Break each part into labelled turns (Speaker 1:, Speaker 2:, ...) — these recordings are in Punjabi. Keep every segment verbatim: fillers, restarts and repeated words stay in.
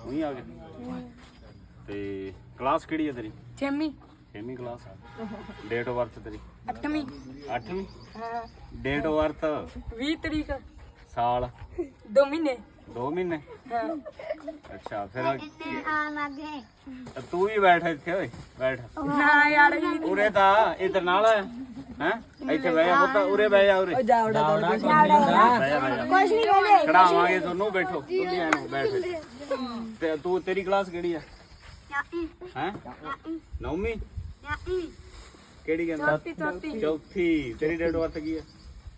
Speaker 1: ਉਹੀ ਆ ਗਏ ਤੇ ਕਲਾਸ ਕਿਹੜੀ ਹੈ ਤੇਰੀ?
Speaker 2: ਛੇਵੀਂ
Speaker 1: ਛੇਵੀਂ ਕਲਾਸ ਆ। ਡੇਟ ਆਫ ਬਰਥ ਤੇਰੀ?
Speaker 2: ਅੱਠਵੀਂ
Speaker 1: ਅੱਠਵੀਂ।
Speaker 2: ਹਾਂ
Speaker 1: ਡੇਟ ਆਫ ਬਰਥ?
Speaker 2: ਵੀਹ ਤਰੀਕ
Speaker 1: ਸਾਲ?
Speaker 2: ਦੋ ਮਹੀਨੇ
Speaker 1: ਦੋ ਮਹੀਨੇ।
Speaker 2: ਹਾਂ
Speaker 1: ਅੱਛਾ ਫਿਰ
Speaker 3: ਇੰਨੇ ਆ ਲੱਗੇ
Speaker 1: ਤੂੰ ਵੀ ਬੈਠ ਇੱਥੇ ਓਏ ਬੈਠ।
Speaker 2: ਨਾ ਯਾਰ ਵੀ
Speaker 1: ਉਰੇ ਤਾਂ ਇਧਰ ਨਾਲ ਹੈ ਹੈ ਇੱਥੇ ਬਹਿ ਜਾ ਪੁੱਤ ਉਰੇ ਬਹਿ ਜਾ ਉਰੇ
Speaker 2: ਜਾਵੜਾ
Speaker 1: ਬਹਿ ਜਾ ਬਹਿ ਜਾ
Speaker 3: ਕੁਛ ਨਹੀਂ ਕਹਿੰਦੇ
Speaker 1: ਖੜਾਵਾਂਗੇ ਤੁਹਾਨੂੰ ਬੈਠੋ ਤੁਸੀਂ ਐਨੂੰ ਬੈਠ ਤੇ ਤੂੰ ਤੇਰੀ ਕਲਾਸ ਕਿਹੜੀ ਆ?
Speaker 3: ਯਾਈ
Speaker 1: ਹੈ ਨੌਵੀਂ
Speaker 3: ਯਾਈ
Speaker 1: ਕਿਹੜੀ ਕਹਿੰਦਾ?
Speaker 2: ਚੌਥੀ ਚੌਥੀ
Speaker 1: ਚੌਥੀ। ਤੇਰੀ ਡੇਟ ਆਫ ਬਰਥ ਕੀ ਆ?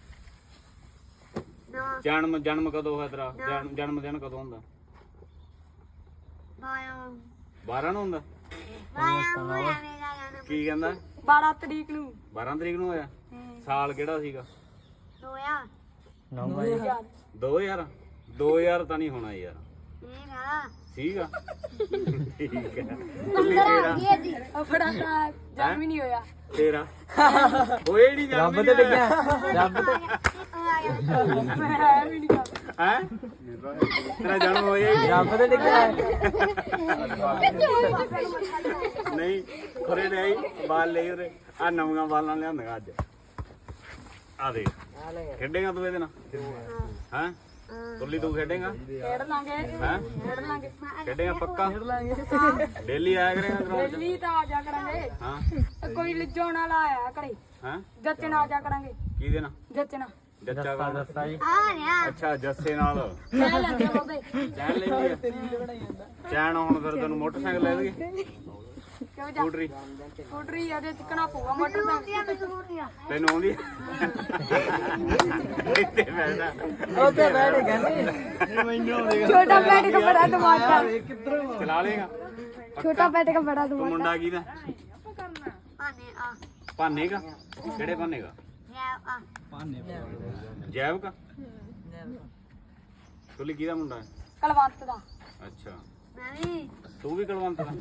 Speaker 3: ਦੋ
Speaker 1: ਜਨਮ ਜਨਮ ਕਦੋਂ ਹੋਇਆ ਤੇਰਾ? ਜਨਮ ਜਨਮ ਦਿਨ ਕਦੋਂ ਹੁੰਦਾ?
Speaker 3: ਬਾਇਆ
Speaker 1: ਬਾਰਾਂ ਨੂੰ ਹੁੰਦਾ?
Speaker 3: ਬਾਇਆ ਹੋਇਆ ਮੇਰਾ ਜਨਮ
Speaker 1: ਕੀ ਕਹਿੰਦਾ?
Speaker 2: ਬਾਰਾਂ ਤਰੀਕ ਨੂੰ
Speaker 1: ਬਾਰਾਂ ਤਰੀਕ ਨੂੰ ਹੋਇਆ। ਸਾਲ ਕਿਹੜਾ ਸੀਗਾ?
Speaker 3: ਦੋਇਆ
Speaker 1: ਦੋ ਹਜ਼ਾਰ? ਦੋ ਹਜ਼ਾਰ ਤਾਂ ਨਹੀਂ ਹੋਣਾ ਯਾਰ।
Speaker 3: ਮੇਰਾ
Speaker 1: ਸੀਗਾ ਠੀਕ ਹੈ। ਤੁਲੀ ਤੇਰਾ?
Speaker 2: ਆਪਣਾ ਤਾਂ ਜਨਮ ਹੀ ਨਹੀਂ ਹੋਇਆ
Speaker 1: ਤੇਰਾ ਹੋਏ ਨਹੀਂ ਜਨਮ
Speaker 4: ਰੱਬ ਤੇ ਡਿੱਗਿਆ ਰੱਬ ਤੇ
Speaker 2: ਮੈਂ ਵੀ ਨਹੀਂ ਕਰਦਾ
Speaker 1: ਹੈ ਤੇਰਾ ਜਨਮ ਹੋਇਆ ਹੀ
Speaker 4: ਰੱਬ ਤੇ ਡਿੱਗਿਆ
Speaker 1: ਨਹੀਂ ਖੁਰੇ ਨਹੀਂ ਬਾਲ ਲਈ ਉਰੇ ਆ ਨਵੀਆਂ ਬਾਲਾਂ ਲਿਆਂਦੀਆਂ ਅੱਜ ਆ ਦੇਖ ਖੇਡੇਗਾ ਤੂੰ ਇਹਦੇ ਨਾਲ ਹੈ ਤੁਲੀ ਤੂੰ ਖੇਡੇਗਾ
Speaker 2: ਖੇਡ ਲਾਂਗੇ
Speaker 1: ਹੈ
Speaker 2: ਖੇਡ ਲਾਂਗੇ
Speaker 1: ਖੇਡੇਗਾ ਪੱਕਾ ਡੇਲੀ ਆਇਆ ਕਰੇਗਾ ਗਰਾਊਂਡ 'ਚ
Speaker 2: ਦਿੱਲੀ ਤਾਂ ਆ ਜਾ ਕਰਾਂਗੇ
Speaker 1: ਹਾਂ
Speaker 2: ਕੋਈ ਲਿਜੋਣ ਵਾਲਾ ਆਇਆ ਘਰੇ
Speaker 1: ਹੈ
Speaker 2: ਜੱਚਣ ਆ ਜਾ ਕਰਾਂਗੇ
Speaker 1: ਕਿਹਦੇ ਨਾਲ
Speaker 2: ਜੱਚਣ
Speaker 1: ਜੱਚਾ ਕੌਣ?
Speaker 4: ਦੱਸਾ ਜੀ
Speaker 3: ਆ ਰਿਹਾ
Speaker 1: ਅੱਛਾ ਜੱਸੇ ਨਾਲ
Speaker 2: ਲੈ ਲੈਂਦੇ ਉਹਦੇ
Speaker 1: ਚੈਨ ਲੈ ਲਈ ਚੈਨ ਹੁਣ ਫਿਰ ਤੈਨੂੰ ਮੋਟਰਸਾਈਕਲ ਲੈ ਦੇਗੇ
Speaker 2: ਕਿਉਂ ਜਾ
Speaker 1: ਸਕੂਟਰੀ
Speaker 2: ਸਕੂਟਰੀ ਇਹਦੇ ਚਿਕਣਾ ਪਊਗਾ ਮੋਟਰਸਾਈਕਲ
Speaker 3: ਮੈਂ ਸੂਰੀਆ
Speaker 1: ਤੈਨੂੰ ਆਉਂਦੀ ਇੱਥੇ ਬੈਠਾ
Speaker 4: ਉੱਥੇ ਬੈਠ ਕਹਿੰਦੇ ਮੈਨੂੰ
Speaker 2: ਛੋਟਾ ਬੈਟ ਕਾ ਬੜਾ ਦਿਮਾਗ
Speaker 1: ਚਲਾ ਲੇਗਾ
Speaker 2: ਛੋਟਾ ਬੈਟ ਕਾ ਬੜਾ
Speaker 1: ਤੂੰ
Speaker 2: ਦਿਮਾਗ
Speaker 1: ਮੁੰਡਾ ਕਿਹਦਾ?
Speaker 3: ਆਨੇ ਆ
Speaker 1: ਭਾਨੇ ਕਾ? ਕਿਹੜੇ ਭਾਨੇ ਕਾ?
Speaker 3: ਯਾ ਆ
Speaker 1: ਜੈਵ ਕਾ? ਤੁਲੀ ਕਿਹਦਾ ਮੁੰਡਾ ਹੈ?
Speaker 2: ਕਲਵੰਤ ਦਾ
Speaker 1: ਅੱਛਾ
Speaker 3: ਮੈਂ ਵੀ
Speaker 1: ਤੂੰ ਵੀ ਕਲਵੰਤ ਦਾ?